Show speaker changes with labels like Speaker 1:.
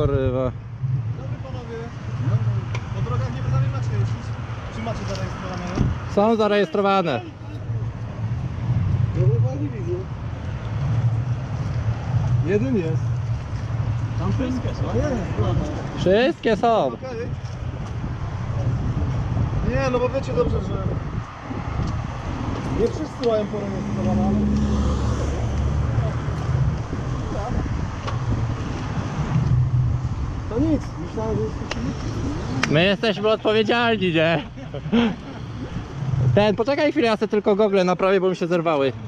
Speaker 1: kurwa.
Speaker 2: Dobry panowie. Po drogach nie wy macie jeździć? Czy macie zarejestrowane?
Speaker 1: Są zarejestrowane.
Speaker 2: Jeden jest. Tam wszystkie są.
Speaker 1: Wszystkie są.
Speaker 2: Okej. Nie, no bo wiecie dobrze, że nie wszyscy mają porejestrowane, ale... To nic, myślałem, że jest...
Speaker 1: My jesteśmy odpowiedzialni, nie? Poczekaj chwilę, ja sobie tylko gogle naprawię, bo mi się zerwały.